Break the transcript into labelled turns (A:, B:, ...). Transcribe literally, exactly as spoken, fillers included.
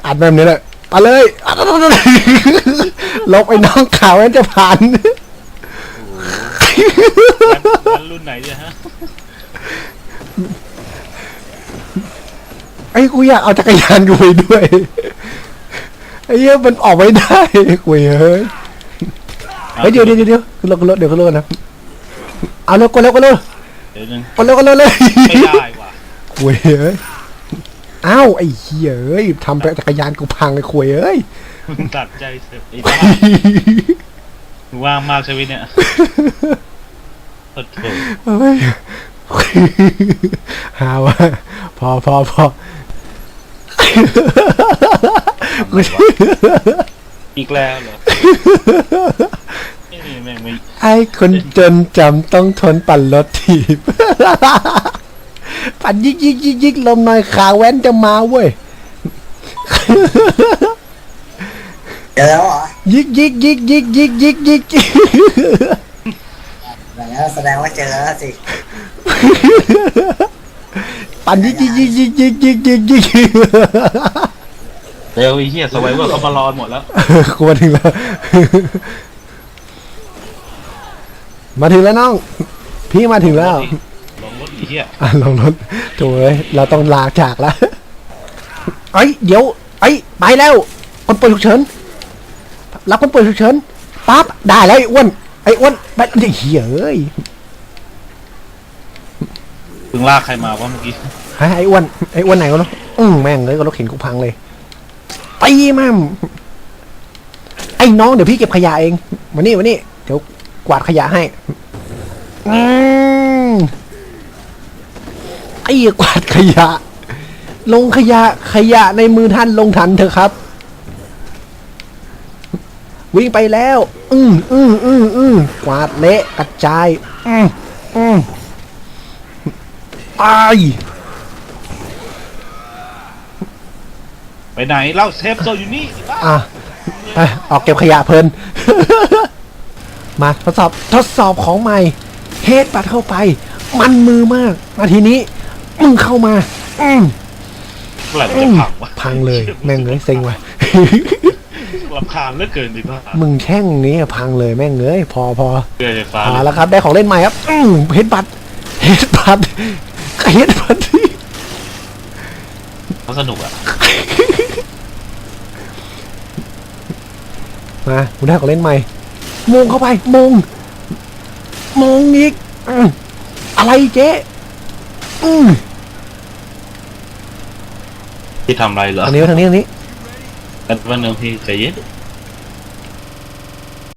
A: อัดแบบนี้แหละไปเลยลบไอ้น้องข่าวนั้นจะผ่าน
B: รุ่นไหนเนี่ยฮะ
A: ไอ้กูอยากเอาจักรยานกูไปด้วยไอ้เหี้ยมันออกไม่ได้กูเฮ้ยเฮ้ยเดี๋ยวเดี๋ยวเดี๋ยวขึ้นรถขึ้นรถเดี๋ยวขึ้นรถนะเอาเร็วก็เร็วก็เร็ว
B: เดี๋ยวนึง
A: ก็เร็วก็เร็วเลย
B: ไม่ได้ว่ะ
A: กูเฮ้ยอ้าวไอ้เหี้ยเอ้ยทำจักรยานกูพังเลยคุยเอ้ย
B: ตัดใจเสียไอ้บ้าว่างมากชีวิตเนี่ยโอ้โห
A: เฮ้ยหาว่าพอพอพอ
B: อีกแล้วเหรอนี่แม่งไม่
A: ไอ้คนจนจำต้องทนปั่นรถถีบปั่นยิกยิกยิกยิกลมหน่อยขาแว้นจะมาเว้ย
C: เจอแล้วเหรอ
A: ยิกยิกยิกยิกยิกยิกยิก
C: แสดงว่าเจอแล้วสิ
A: ปั่นยิกยิกยิกยิกยิกยิกยิกยิก
B: เร็วไอ้เหี้ยสไวเวอร์เขามารอหมดแล้ว
A: กูมาถึงแล้วมาถึงแล้วน้องพี่มาถึงแล้ว
B: ลงรถไอ้เหี้ย
A: อ่ะลงรถโถ่เอ้ยเราต้องลาจากแล้วเอ้ยเดี๋ยวเอ้ยไปแล้วคนป่วยฉุกเฉินรับคนป่วยฉุกเฉินปั๊บได้แล้วไอ้อ้วนไอ้อ้วนไปไอ้เหี้ยเอ้ย
B: เพิ่งลากใครมาวะเมื่อกี้
A: ไอ้อ้วนไอ้อ้วนไหนวะเนาะอืมแม่งเลยก็รถเข็นกูพังเลยไปมั่มไอ้น้องเดี๋ยวพี่เก็บขยะเองมานี่มานี่เดี๋ยวกวาดขยะให้อืมไอ้กวาดขยะลงขยะขยะในมือท่านลงทันเถอะครับวิ่งไปแล้วอืมอืมอืมอืมกวาดเละกระจายอืมอืมตาย
B: ไปไหนเล่าเซฟโซอยู่นี่
A: อ่ะไปออกเก็บขยะเพลิน มาทดสอบทดสอบของใหม่เฮดปัดเข้าไปมันมือมากมาทีนี้มึงเข้ามาอืม
B: เมื่อไหร่มันจะพังวะ
A: พังเลยแม่งเลยเซ็งว่ะ
B: รำคาญเหลือเกินดิพ่อ
A: มึงแช่งนี้พังเลยแม่งเลยพอพอ
B: เรือไฟฟ้า
A: พอแล้วครับได้ของเล่นใหม่ครับอืมเฮดปัดเฮดปัดเฮดปัดที่
B: เขาสนุกอ่ะ
A: มากูได้ของเล่นใหม่มงเข้าไปมงมงอีกอะไรเจ๊อืม
B: ที่ทำอะไรเหรอ
A: ทางนี้ทางนี้ทางนี้
B: กันวันหนึ่งพี่ใจเย็น